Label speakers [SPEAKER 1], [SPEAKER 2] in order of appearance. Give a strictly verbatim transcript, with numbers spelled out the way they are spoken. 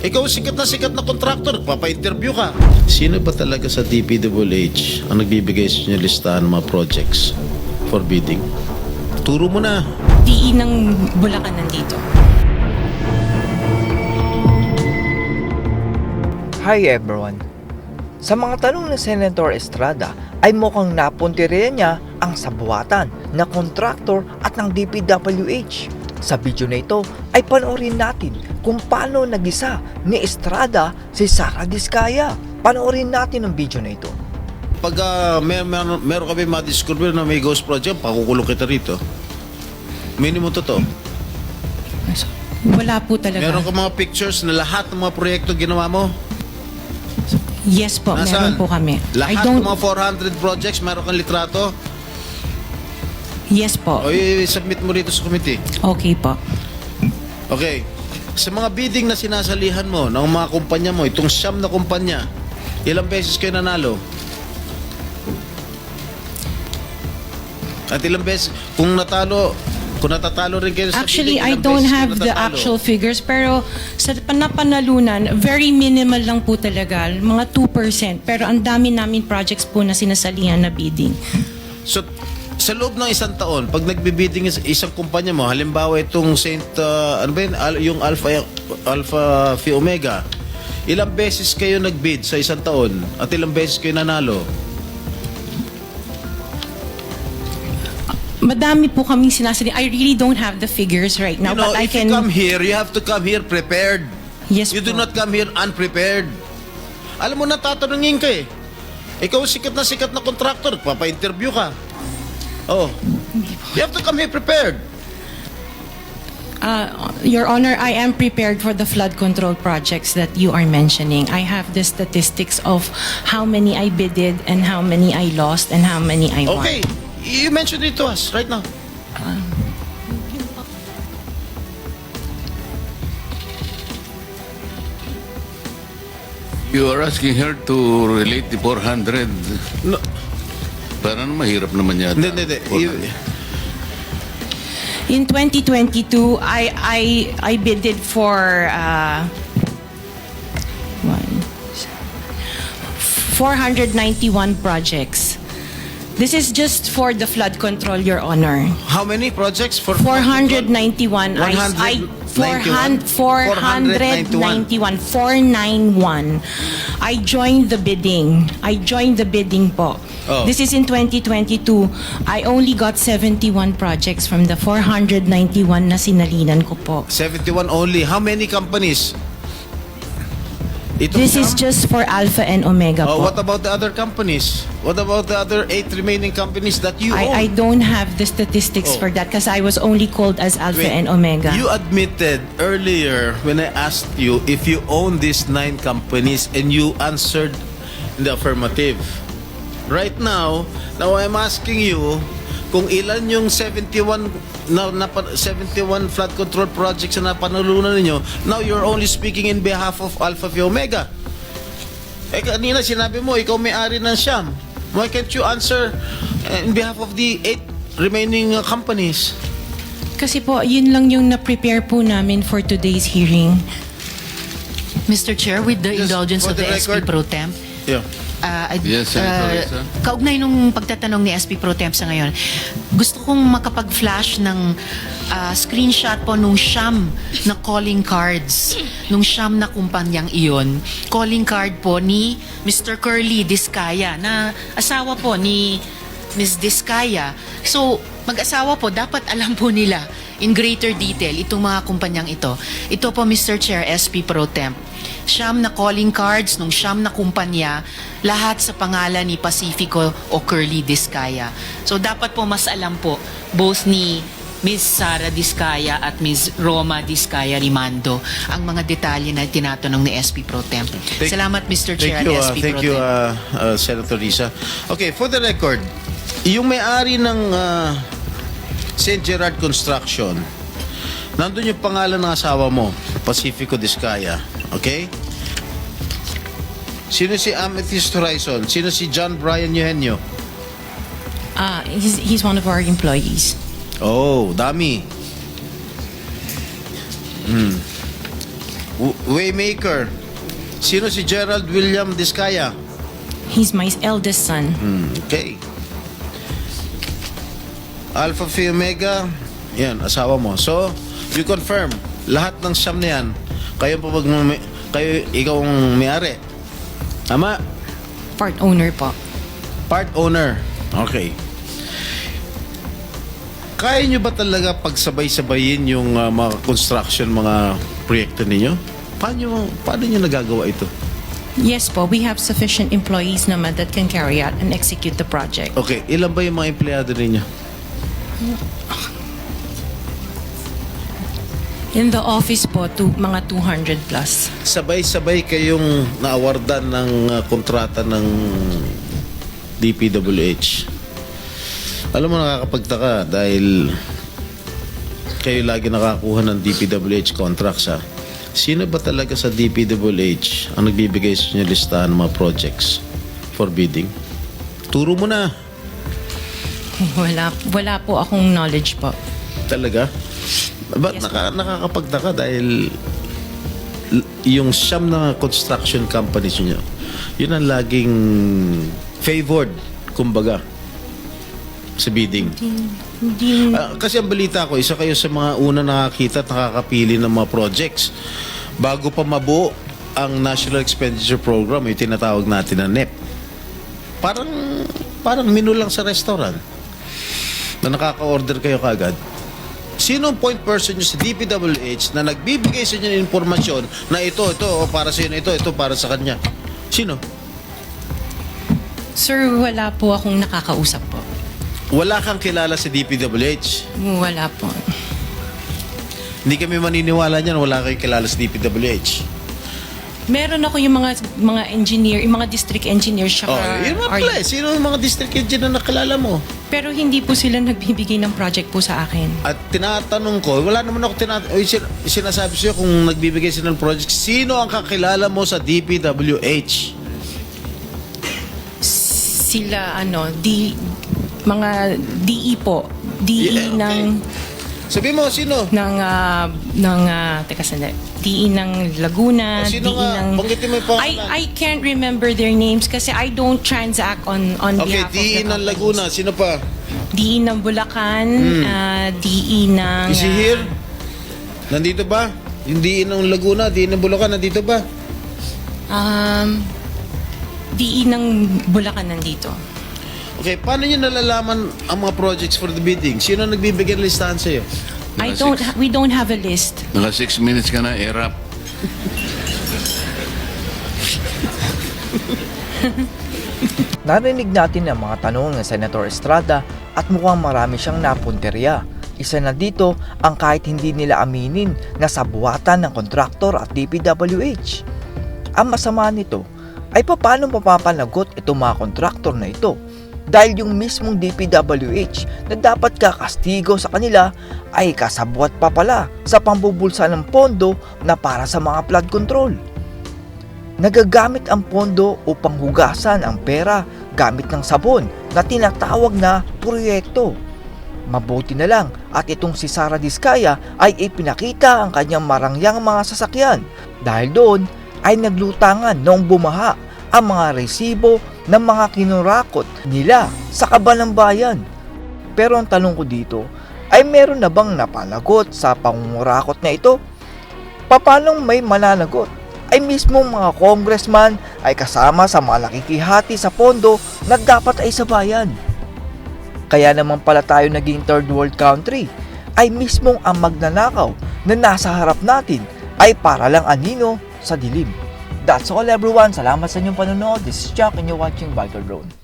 [SPEAKER 1] Ikaw sikat na sikat na kontraktor, papa-interview ka. Sino ba talaga sa D P W H ang nagbibigay sa inyo listahan ng mga projects for bidding? Turo mo na.
[SPEAKER 2] D E ng Bulacan nandito.
[SPEAKER 3] Hi everyone! Sa mga tanong ni Senator Estrada ay mukhang napuntirya niya ang sabuatan na kontraktor at ng D P W H. Sa video na ito ay panoorin natin kung paano nagisa ni Estrada si Sara Diskaya. Panoorin natin ang video na ito.
[SPEAKER 1] Pag uh, mer mer meron kami madiscover na may ghost project, pakukulong kita rito. Minimum to to.
[SPEAKER 2] Wala po talaga.
[SPEAKER 1] Meron ka mga pictures na lahat ng mga proyekto ginawa mo?
[SPEAKER 2] Yes po,
[SPEAKER 1] Nasaan?
[SPEAKER 2] meron po kami. I
[SPEAKER 1] Lahat
[SPEAKER 2] don't...
[SPEAKER 1] ng mga four hundred projects, meron kang litrato?
[SPEAKER 2] Yes po.
[SPEAKER 1] O i-submit mo rito sa committee.
[SPEAKER 2] Okay po.
[SPEAKER 1] Okay. Sa mga bidding na sinasalihan mo ng mga kumpanya mo, itong siyam na kumpanya, ilang beses kayo nanalo? At ilang beses, kung natalo, kung natatalo rin kayo sa
[SPEAKER 2] Actually,
[SPEAKER 1] bidding,
[SPEAKER 2] I
[SPEAKER 1] ilang
[SPEAKER 2] don't
[SPEAKER 1] beses kayo
[SPEAKER 2] have the
[SPEAKER 1] natatalo?
[SPEAKER 2] actual figures, pero sa panapanalunan, very minimal lang po talaga, mga two percent. Pero ang dami namin projects po na sinasalihan na bidding.
[SPEAKER 1] So, sa loob ng isang taon, pag nagbibidding is- isang kumpanya mo, halimbawa itong Saint, uh, ano ba yun, Al- yung Alpha, Alpha Phi Omega, ilang beses kayo nagbid sa isang taon at ilang beses kayo nanalo?
[SPEAKER 2] Madami po kaming sinasali. I really don't have the figures right now,
[SPEAKER 1] You know,
[SPEAKER 2] but I
[SPEAKER 1] if
[SPEAKER 2] can...
[SPEAKER 1] you come here, you have to come here prepared.
[SPEAKER 2] Yes
[SPEAKER 1] You do
[SPEAKER 2] po.
[SPEAKER 1] not come here unprepared. Alam mo, natatanungin ka eh. Ikaw sikat na sikat na kontraktor, papa-interview ka. Oh. You have to come here prepared.
[SPEAKER 2] Uh, Your Honor, I am prepared for the flood control projects that you are mentioning. I have the statistics of how many I bidded and how many I lost and how many I won.
[SPEAKER 1] Okay. You mentioned it to us right now.
[SPEAKER 4] You are asking her to relate the four hundred.
[SPEAKER 1] No,
[SPEAKER 4] Parang mahirap naman yata.
[SPEAKER 1] hindi, hindi, hindi. You-
[SPEAKER 2] In twenty twenty-two, I I I bidded for uh, one, four hundred ninety-one projects. This is just for the flood control, Your Honor.
[SPEAKER 1] How many projects for
[SPEAKER 2] four hundred ninety-one. I, I, four hundred, four hundred ninety-one. four ninety-one. I joined the bidding. I joined the bidding po.
[SPEAKER 1] Oh.
[SPEAKER 2] This is in twenty twenty-two. I only got seventy-one projects from the four hundred ninety-one na sinalinan ko po.
[SPEAKER 1] seventy-one only. How many companies? Ito
[SPEAKER 2] This
[SPEAKER 1] siyam?
[SPEAKER 2] is just for Alpha and Omega
[SPEAKER 1] Oh,
[SPEAKER 2] po.
[SPEAKER 1] what about the other companies? What about the other eight remaining companies that you
[SPEAKER 2] I, I
[SPEAKER 1] own?
[SPEAKER 2] don't have the statistics
[SPEAKER 1] Oh.
[SPEAKER 2] for that because I was only called as Alpha
[SPEAKER 1] Wait,
[SPEAKER 2] and Omega.
[SPEAKER 1] You admitted earlier when I asked you if you own these nine companies and you answered in the affirmative. Right now, now I'm asking you kung ilan yung seventy-one na, na seventy-one flood control projects na napanalunan ninyo. Now you're only speaking in behalf of Alpha Phi Omega. Eh kanina sinabi mo ikaw may-ari ng Siyam. Why can't you answer uh, in behalf of the eight remaining uh, companies?
[SPEAKER 2] Kasi po, yun lang yung na-prepare po namin for today's hearing.
[SPEAKER 5] Mister Chair, with the
[SPEAKER 1] Just
[SPEAKER 5] indulgence
[SPEAKER 1] for
[SPEAKER 5] of the,
[SPEAKER 1] the
[SPEAKER 5] S P
[SPEAKER 1] record-
[SPEAKER 5] Pro Temp,
[SPEAKER 1] Yeah.
[SPEAKER 5] uh, I'd-
[SPEAKER 4] Yes, Senator
[SPEAKER 5] uh,
[SPEAKER 4] Risa.
[SPEAKER 5] kaugnay nung pagtatanong ni S P Pro Temp sa ngayon, gusto kong makapag-flash ng uh, screenshot po nung siyam na calling cards, nung siyam na kumpanyang iyon. Calling card po ni Mister Curly Diskaya, na asawa po ni Miz Diskaya. So, mag-asawa po, dapat alam po nila in greater detail itong mga kumpanyang ito. Ito po, Mister Chair, S P Pro Temp. Siyam na calling cards nung siyam na kumpanya, lahat sa pangalan ni Pacifico o Curly Diskaya. So, dapat po mas alam po both ni Miz Sara Diskaya at Miz Roma Diskaya Rimando ang mga detalye na tinatanong ni S P Pro Temp.
[SPEAKER 1] Thank-
[SPEAKER 5] Salamat, Mister Chair
[SPEAKER 1] Thank you,
[SPEAKER 5] at
[SPEAKER 1] uh,
[SPEAKER 5] S P
[SPEAKER 1] thank
[SPEAKER 5] Pro
[SPEAKER 1] you,
[SPEAKER 5] Temp.
[SPEAKER 1] uh, uh, Senator Risa. Okay, for the record, yung may-ari ng uh, Saint Gerard Construction, nandun yung pangalan ng asawa mo, Pacifico Diskaya. Okay? Sino si Amethyst Horizon? Sino si John Brian Eugenio?
[SPEAKER 2] Ah, he's, he's one of our employees.
[SPEAKER 1] Oh, dami. Hmm. W- Waymaker. Sino si Gerald William Discaya?
[SPEAKER 2] He's my eldest son.
[SPEAKER 1] Hmm, okay. Alpha Phi Omega, yan, asawa mo. So, you confirm, lahat ng siyam na yan, kayo po pag kayo, ikaw ang may-ari. Tama?
[SPEAKER 2] Part owner po.
[SPEAKER 1] Part owner. Okay. Kaya nyo ba talaga pagsabay-sabayin yung uh, mga construction, mga proyekto ninyo? Paano, paano nyo nagagawa ito?
[SPEAKER 2] Yes po, we have sufficient employees naman that can carry out and execute the project.
[SPEAKER 1] Okay, ilan ba yung mga empleyado ninyo?
[SPEAKER 2] In the office po, to, mga two hundred plus.
[SPEAKER 1] Sabay-sabay kayong naawardan ng uh, kontrata ng D P W H. Alam mo, nakakapagtaka dahil kayo lagi nakakuha ng D P W H contracts, ha? Sino ba talaga sa D P W H ang nagbibigay sa inyo listahan ng mga projects for bidding? Turo mo na.
[SPEAKER 2] Wala, wala po akong knowledge po.
[SPEAKER 1] Talaga? Ba't
[SPEAKER 2] Yes,
[SPEAKER 1] naka, nakakapagtaka dahil l- yung siyam na construction companies nyo, yun ang laging favored, kumbaga, sa bidding.
[SPEAKER 2] Hindi,
[SPEAKER 1] Ah, kasi ang balita ko, isa kayo sa mga una nakakita at nakakapili ng mga projects. Bago pa mabuo ang National Expenditure Program, yung tinatawag natin na N E P. Parang, parang menu lang sa restaurant na nakaka-order kayo kagad. Sino ang point person nyo sa D P W H na nagbibigay sa inyo ng informasyon na ito, ito, o para sa inyo, ito, ito, para sa kanya? Sino?
[SPEAKER 2] sir, wala po akong nakakausap po.
[SPEAKER 1] Wala kang kilala sa D P W H.
[SPEAKER 2] Wala po.
[SPEAKER 1] Hindi kami maniniwala niyan, wala kayong kilala sa D P W H.
[SPEAKER 2] Meron ako yung mga mga engineer, yung mga district engineers siya.
[SPEAKER 1] Oh, yun mga pala eh. Sino yung mga district engineer na nakilala mo?
[SPEAKER 2] Pero hindi po sila nagbibigay ng project po sa akin.
[SPEAKER 1] At tinatanong ko, wala naman ako tinatanong, sinasabi sa'yo kung nagbibigay sila ng project, sino ang kakilala mo sa D P W H?
[SPEAKER 2] Sila ano, di mga D E po. D E
[SPEAKER 1] Yeah, okay.
[SPEAKER 2] ng
[SPEAKER 1] Sabi mo, sino?
[SPEAKER 2] ng ah, ng ah, teka sandali. D E ng Laguna,
[SPEAKER 1] O, sino
[SPEAKER 2] D E
[SPEAKER 1] nga?
[SPEAKER 2] ng
[SPEAKER 1] Banggitin mo yung pangalan.
[SPEAKER 2] I I can't remember their names kasi I don't transact on on
[SPEAKER 1] Okay,
[SPEAKER 2] behalf
[SPEAKER 1] D E
[SPEAKER 2] of the
[SPEAKER 1] ng
[SPEAKER 2] companies.
[SPEAKER 1] Laguna, sino pa?
[SPEAKER 2] D E ng Bulacan, ah, D E ng
[SPEAKER 1] Is he
[SPEAKER 2] ah,
[SPEAKER 1] here? Nandito ba? Yung D E ng Laguna, D E ng Bulacan, nandito ba?
[SPEAKER 2] um D E ng Bulacan nandito.
[SPEAKER 1] Okay, paano nyo nalalaman ang mga projects for the bidding? Sino ang nagbibigay ng listahan sa'yo?
[SPEAKER 2] I
[SPEAKER 4] Naka
[SPEAKER 2] don't
[SPEAKER 4] six-
[SPEAKER 2] ha- we don't have a list.
[SPEAKER 4] Naka six minutes ka na, erap.
[SPEAKER 3] Narinig natin ang mga tanong ng Senator Estrada at mukhang marami siyang napunterya. Isa na dito ang kahit hindi nila aminin na sabuatan ng kontraktor at D P W H. Ang masama nito ay paano mapapanagot itong mga kontraktor na ito dahil yung mismong D P W H na dapat kakastigo sa kanila ay kasabwat pa pala sa pambubulsa ng pondo na para sa mga flood control. Nagagamit ang pondo upang hugasan ang pera gamit ng sabon na tinatawag na proyekto. Mabuti na lang at itong si Sara Discaya ay ipinakita ang kanyang marangyang mga sasakyan dahil doon ay naglutangan noong bumaha ang mga resibo ng mga kinurakot nila sa kaban ng bayan. Pero ang tanong ko dito ay meron na bang napanagot sa pangungurakot na ito? Papanong may mananagot? Ay mismong mga congressman ay kasama sa mga nakikihati sa pondo na dapat ay sa bayan. Kaya naman pala tayo naging third world country ay mismong ang magnanakaw na nasa harap natin ay para lang anino sa dilim. That's all everyone. Salamat sa inyong panonood. This is Jack and you're watching Biker Drone.